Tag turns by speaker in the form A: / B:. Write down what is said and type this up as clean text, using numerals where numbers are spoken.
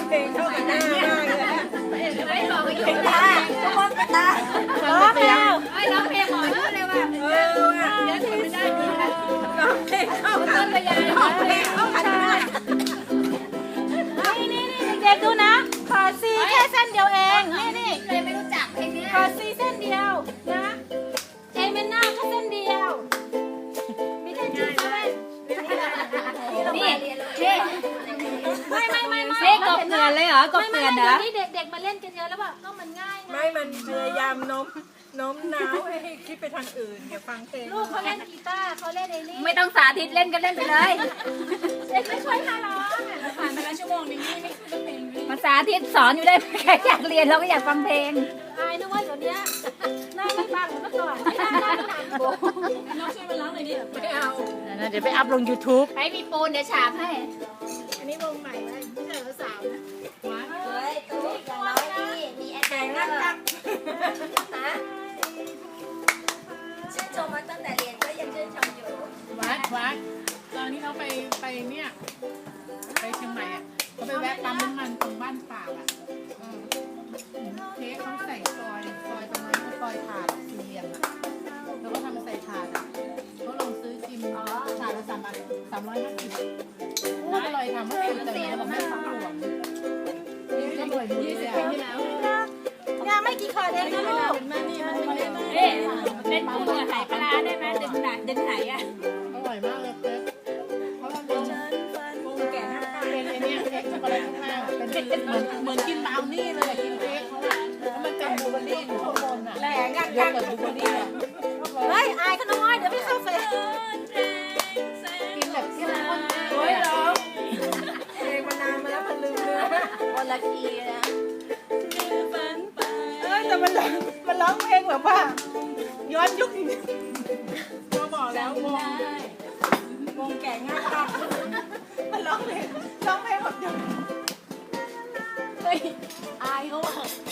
A: เพลงเข้ากับหน้ามากเลย
B: ไม่บอกว่าอยู่
C: ตาทุกคนตา
A: ร้องเพลง
B: ร้องเพลงหมอแล้วเลยว่ะ
A: เดี๋ยวถึงไม่ได้ดีนะร้องเพลงเข้ากั
B: ต้
A: น
B: นพยา
A: ร้องเพลงเข้ากันได้
C: นี่เด็กๆดูนะขอซีแค่เส้นเดียวเองนี่
B: เลยไม่รู้จักเพลงนี้
C: ขอซีเส้นเดียวนะเอเมน่าก็เส้นเดียวมีแต่จีเส้น
B: นี่
C: ไม่
B: เลขกบเกลือนเลยเหรอกบเกลือนเหรอ
C: นี่เด็กๆมาเล่นกันเยอะแล้วแบบก็มันง่าย
A: ไม่มันพยายามโน้มน้าวให้คิดไปทางอื่นอย่าฟังเพลง
C: ลูกเขาเล่นกีตาร์เขาเล่นไอ้นี่
B: ไม่ต้องสาธิตเล่นกันเล่นไปเลย
C: เด็กไม่ช่วยค่ะร้อง
B: ผ่านไปแล้วชั่วโมงนึงนี่ไม่คือเพลงมันสาธิตสอนอยู่ได้แค่อยากเรียนเราก็อยากฟังเพลง
C: อายนึกว่าเดี๋ยวนี้หน้าไม่บังเหมือนเมื่อก่อนหน้าหนักโบน้องช่วยมาร้องหน่อยดิ
A: ไม่เอา
D: เดี๋ยวไปอัพลง YouTube
B: ให้มีปูนเดี๋ยวฉาบให้
A: อันนี้วงใหม่ไหมไม่ใช่สาวนะ
C: เฮ้ยตัวอย่างน้อยนี่มีแอด
A: แข่งนักจัก
C: ฮะชื่นชมมาตั้งแต่เรียนก็ยังชื่นชมอยู่
D: วัดตอนที่เขาไปเนี่ยไปเชียงใหม่อ่ะเขาไปแวะปั๊มน้ำมันตรงบ้านปากอ่ะเค้กเขาใส่ซอยตรงนั้นเขาซอยถาดสี่เหลี่ยมอ่ะแล้วก็ทำใส่ถาดอ่ะเขาลองซื้อกินถาดละ350อร่อยทำให้ตื่นแต่แล้วแม่ฟังหลวงนี่ก็อร่อยดีเลยอ่ะ
C: งานไม่กี่คนเองนะลูก
B: เอ๊ะเล่นปูนกับไหปลาได้ไหมดึงไหอ่ะ
D: อร่อยมากเลยเค้กเขาทำเป็น
A: วงแก่นักจัก
D: เป็นไอเนี้ยเค้กช็อกโกแลตข้างล่างอะเป็นเหมือนกินบราวนี่เลยอะกินเค้กเขาอะแล้วมันเป็นบลูเบอร์รี่อยู่ข้างบนอะ
A: แหล่งัก
D: เย
A: จั
D: อะ
A: ก
D: เลยบลูเบอร์รี่อะ
C: เฮ้ยอายเขาน้อยเดี๋ยวไม่เข้าเฟซ
D: กินแบบเข้มข้นมาก
A: โอ้ยร้องเพลงมานานมาแล้วมันลืมเนื้อ
C: คนละทีนะ
A: แต่มันร้องเพลงแบบว่าย้อนยุคจริงๆก็บอกแล้ววงแก่งักจักมันร้องเพลงแบบเดียว
C: อายเขาอ่ะ